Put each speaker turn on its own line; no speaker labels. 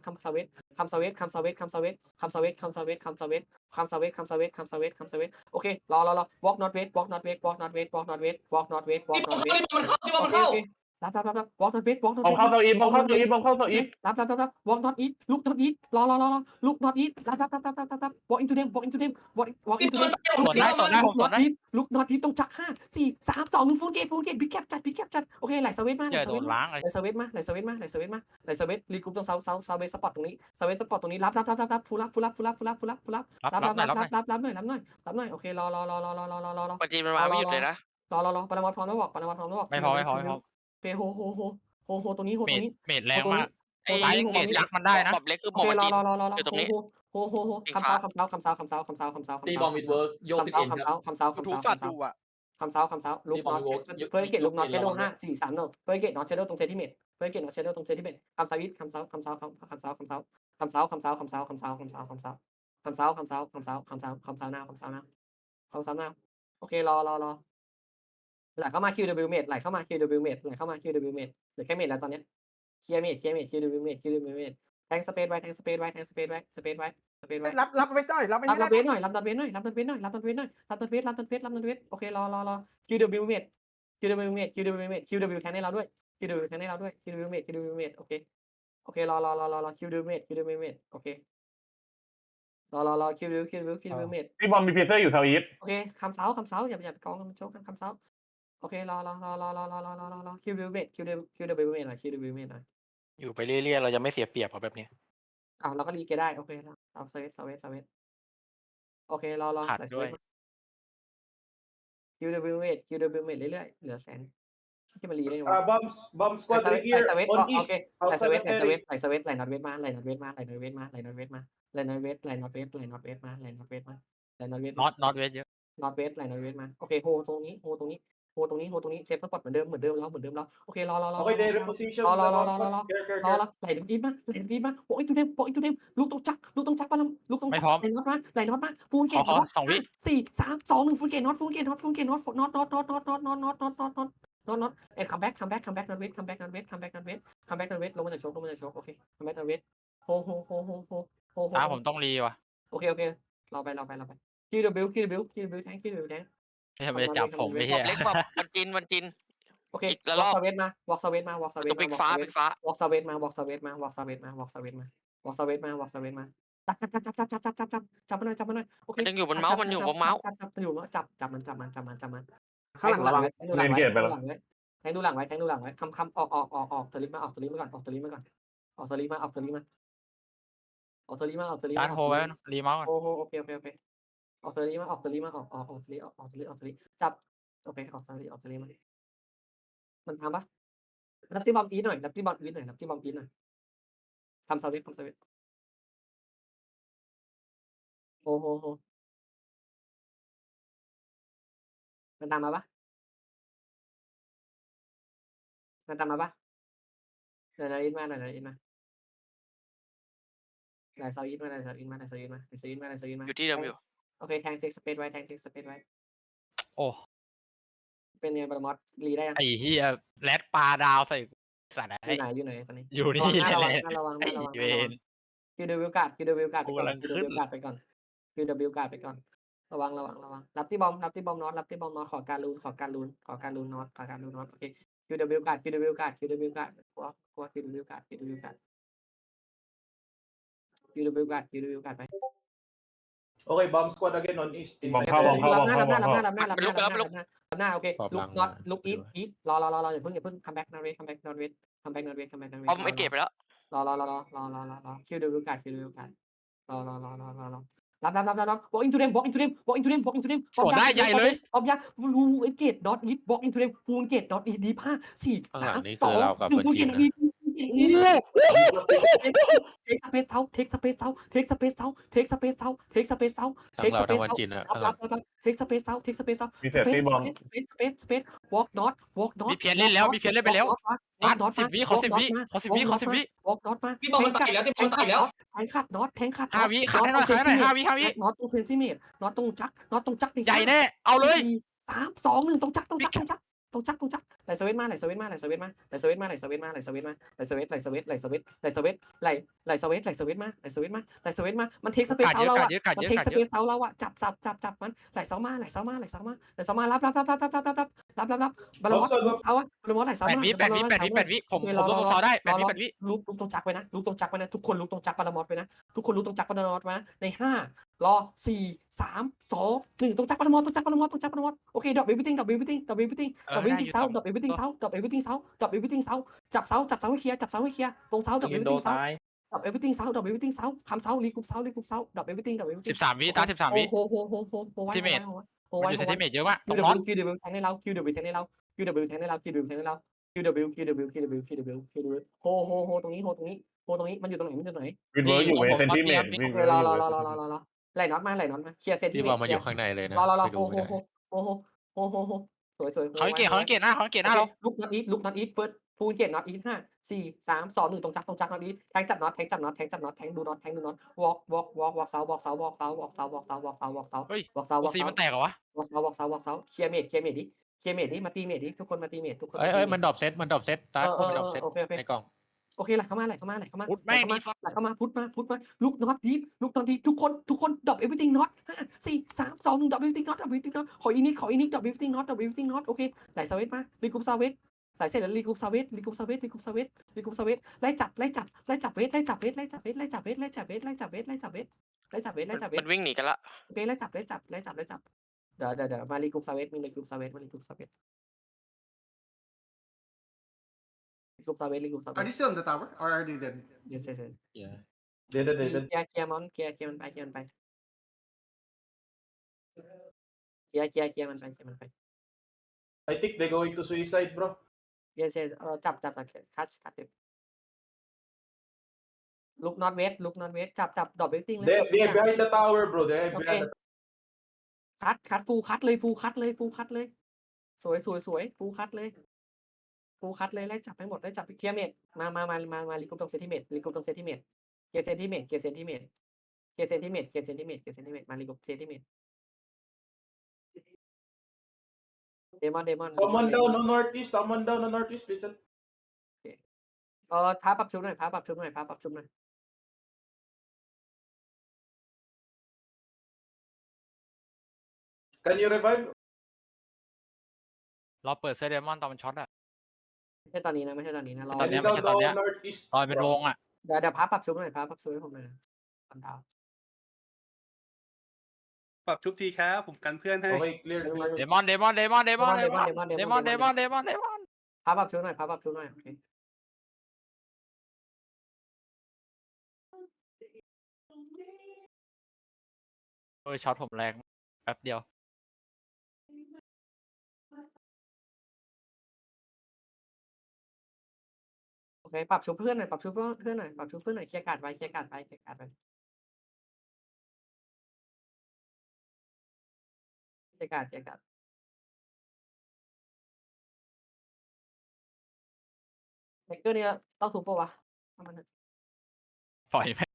come southwest come southwest come southwest come southwest come southwest come southwest come southwest come southwest come southwest come southwest come southwest โอเครอ walk northwest walk northwest walk northwest walk northwest walk northwest walk
ที่บอล
northwest
มันเข้า
โอเครับwalk northwest walk
บอม
northwest
เข้าเซาอีฟบอมเข้าเซาอีฟบอมเข้าเซา
โอ
อี
เค
ฟ
รับ walk north east look north east รอ look north east รับ walk into them walk into them walk into them look north east look north east ต้องจัก5 4 3 2 1 full gate big capจัดโอเคไหลเซเว่นมาไหลเซเว่นมาไหลเซเว่นมาไหลเซเว่นมาไหลเซเว่นมาไหลเซเว่นรีกรุ๊ปตรงเซาเวสสปอตตรงนี้เซเว่นสปอตตรงนี้รับฟูรับหน่อยโอเครอ
ปัจจีมันมาไม่หยุดเลยนะ
รอปรมัตพร้อมแล้วบอก
ไม่พอ
เพโฮตรงนี้โฮตรงนี้
เมดแรงมาก
ไอ้
ซ้ายเมดยักษ์มันได้นะ
บอมเล็กคือ
โอบ
อม
เค
จีน
รอ
อยู่ตรงนี้
โฮคำเซาคำเซา
ตีบอลมิดเวิร์กโยกติดเอ็นครับ
คำเซา
ทูฟัดดูอ่ะ
ลุกน็อตเพื่อเกตลุกน็อตเชโด5 4 3 1เพื่อเกตน็อตเชโดตรงเซนติเมตรเพื่อเกตน็อตเชโดตรงเซนติเมตรคำเซาวิทคำเซาหน้าโอเครอไหลเข้ามา QW เมตรไหลเข้ามา QW เมตรเหลือแค่เมตรแล้วตอนนี้เคลียร์เมตร QW เมตรแทงสเปซไว้
รับไว้หน่อยรับไว้
รับ
ให้
นัดเวทหน่อยโอเครอQW เมตร QW แทงให้เราด้วย QW เมตรโอเครอQW เมตรโอเครอQW เมตร
พี่บอมมีเพเซอร์อยู่เซาอีฟ
โอเคคำเซาอย่าไปกองมันโจ๊กคำเซาโอเครอQW เมตรหน่อยQW เมตรหน่อย
อยู่ไปเรื่อยๆเราจะไม่เสียเปรียบเราแบบนี้
เราก็รีเกได้โอเคแล้วเอาเซเวตโอเครอ
ขาดด้วย
QW เมตรเรื่อยๆเหลือแสนที่มันรีได้ไงวะ
bomb squad right here
โอ
on
เค
east
ไหลเซเวต
outside area
ไหลนอตเวทมาไหลนอตเวทมาน็อตเวทมาน็อตเวทมาโอเคโฮตรงนี้เซฟสปอตเหมือนเดิมแล้วโอเครอ
okay they reposition
รอ
care
ไหลดีมาโอ้ยตัวเดมลูกต้องจักมาลูกต้องจักไหลน็อตมาฟูลเกต
2 วิ
4 3 2 1ฟูลเกตน็อตเอ็ดคัมแบ็กน็อตเวทลงมาจากโชกโอเคคัมแบ็กน็อตเวทโฮ
ผมต้องรีว่ะ
โอเครอไปQWแทง
ไม่ใช่ไปจับผมไม่
บ
ใช่
อมเล็กบอมวันจิน
โอเค
อีกละรอบ
วอล์กเซเว่นมาวอล์กเซเว่นมา
ตัวปิกฟ้า
วอล์กเซเว่นมาจับมาหน่อยโอเค
มันยังอยู่บนเมาส์มันอยู่บนเมาส์
จับมัน
ข้างหลังระวัง
แทงดูหลังไว้คำออกสลิปมาก่อนออกสลิปมา
การโฮไว้รีเมาส์ก่อน
โอเคออกสลิปมาออกสลิปจับโอเคออกสลิปมามันทำปะรับที่บอมอีทหน่อยทำสวิตโอ้โหมันตามมาปะไหนอินมาไหลเซาอินมา
อยู่ที่เดิมอยู่
โอเคแทงเซ็กสเปซไว้
โอ้
เป็นไงบาร์มอสรีได้ยัง
ไอ้เหี้ยแรดปลาดาวใส่สัตว์
อยู่ไหนตอนนี้
อยู่นี่
ระ
เล
วัง
ย
ระวัง
ไอ้เวน
QW การ์ดไปก่อนระวังรับที่บอมน็อตขอการลูนน็อตโอเค QW การ์ดกลัว QW การ์ดไป
okay bomb squad again on east
บอมเข้า
รับหน้าโอเคลุกน็อตลุกอีทรออย่าเพิ่งคัมแบ็กนอร์เวย์
บอมเอ็นเกตไปแล้ว
รอQW การ์ดรอรับwalk into them
โหได้ใหญ่เลย
ออบยักษ์รูเอ็นเกตดอทอีท walk into them ฟูลเกตดอทอีทดี5 4 3 2 1ฟูลเกตดีเทคสเปซเซาเทคสเปซเซาเทคสเปซเซาเทคสเปซเซาเทคสเปซเซา
ทั้งเราทั้งวันจีนอะ
เทคสเปซเซา
มีเซฟตี้บอม
space walk not
มีเพียนเล่นแล้วไปแล้ว
walk not
10 วิขอ 10 วิ
walk not มา
ที่บอลมันไต่แล้วที่บอลมันไต่แล้ว
แทงขัดน็อต
5 วิขัดให้หน่อย5 วิ
น็อตตรงเซนติเมตรน็อตตรงจัก
ใหญ่แน่เอาเลย
3 2 1ตรงจักต้องจักไหลสวิตมาไหลสวิตมาไหลสวิตมาไหลสวิตมาไหลสวิตมาไหลสวิตมาไหลสวิตไหลสวิตไหลสวิตไหลสวิตไหลสวิตไหลสวิตมาไหลสวิตมาไหลสวิตมามันเทคสเปซเซาเราอะมันเทคสเปซเซาเราอะจับมันไหลเซามาไหลเซามารับบาลมอสเอาอะบาลมอสไหลเซา
แปด
มา
วิแปดวิแปดวิแปดวิผมลงซอได้แปดวิแปดวิ
ลุกตรงจักไปนะลุกตรงจักไปนะทุกคนลุกตรงจักบาลมอสไปนะทุกคนลุกตรงจักบาลมอสไปนะใน5 รอ 4 3 2 1ตรงจักรปนมอตรงจักรปนมอตรงจักรปนมอตโอเคดรอปเอวิติ้งดรอปเอวิติ้งดรอปเอวิติ้งดรอปเอวิติ้งเซาดรอปเอวิติ้งเซาดรอปเอวิติ้งเซาดรอปเอวิติ้งเซาจับเซาให้เคลียร์จับเซาให้เคลียร์ตรงเซาดรอปเอวิติ้งเซาดรอปเอวิติ้งเซาดรอปเอวิติ้งเซาคำเซาลีกุ๊บเซาดรอปเอวิติ้งดรอปเอวิติ้ง
13 วิตา13 วิ
โหไว้
มันอยู่เซนติเมตรเยอะมาก
คิ
ต้
ว
อง
ดับ
น็อต
คิวดับแทงให้เราคิวดับแทงให้เราคิวดับแทงให้เราคิวดับแทงให้เราคิวดับโหตรงนี้มันอยู่ตรงไหน
วินเวิร์กอยู่เวเซนติเมตรวิน
โอ
เวิร์ก
ร
อยู่
อไหลน็อตมาเคลียร์เซนติ
พี่
เม
บ
ต
อ
ร
มมันอยู่ข้างในเลยนะ
รอ
ไปดูไม่ได้
โหสวย
เขาเกตหน้าเรา
ลุกน็อตอีทเฟิร์สฟูลเกตน็อตอีท5 4 3 2 1ตรงจักน็อตอีทแทงจับน็อตแทงดูน็อตวอล์กเซา
ซีมันแตกเหรอวะ
วอล์กเซาเคลียร์เมดดิมาตีเมดดิทุกคนมาตีเมดทุกคน
เอ้ยมันดรอปเซตตาร์มันดรอปเซต
โอเค
ในกล่อง
โอเคไหลเข้ามาพุทมาลุกน็อตดีทุกคนดรอปเอวิติ้งน็อต5 4 3 2 1ดรอปเอวิติ้งน็อตขออีนิกดรอปเอวิติ้งน็อตโอเคไหลสวิตมารีคูปซาเวตไหลเสร็จแล้วรีคูปซาเวตไล่จับเวท
มันวิ่งหนีกันละ
โอเคไล่จับเดี๋ยวมารีคูปซาเวตรีคูปซาเวต
Are they still in the tower or are they dead?
yes
เดี๋ยว
เคลียร์มันไปเคลียร์มันไปเคลียร์มันไป
I think they going to suicide bro
yes จับคัสลุกน็อตเวทจับดรอปเวทติ้งเลย
they behind the tower bro they
โอเค
behind the
คัดฟูลคัดเลยสวยฟูลคัดเลยไล่จับให้หมดไล่จับเคลียร์เมดมารีกรุ๊ปตรงเซนติเมตรเกียร์เซนติเมตรมารีกรุ๊ปเซนติเมตรเดมอน
someone down on northeast please
ท้าปรับชุดหน่อย
can you revive
เราเปิดเซเดมอนตอนมันช็อตอะ
ไม่ใช่ตอนนี้นะรอ
ตอน
can
เนี้
you
ยไม่
down
ใช่ตอนเนี้ย
the northeast
ตอนเป็นวงอะ
เดี๋ยวพับปรับชุดหน่อยให้ผมหน่อยปันดาว
ปรับทุกทีครับผมกันเพื่อนให้
okay clear
เดมอนพับ
ปรับชุดหน่อยโอเค
ช็อตผมแรงแป๊บเดียว
โอเคปรับชุดเพื่อนหน่อยเคลียร์การ์ดไว้เคลียร์การ์ดเทคเกอร์นี่ต้องถูกปะวะ
ปล่อยไป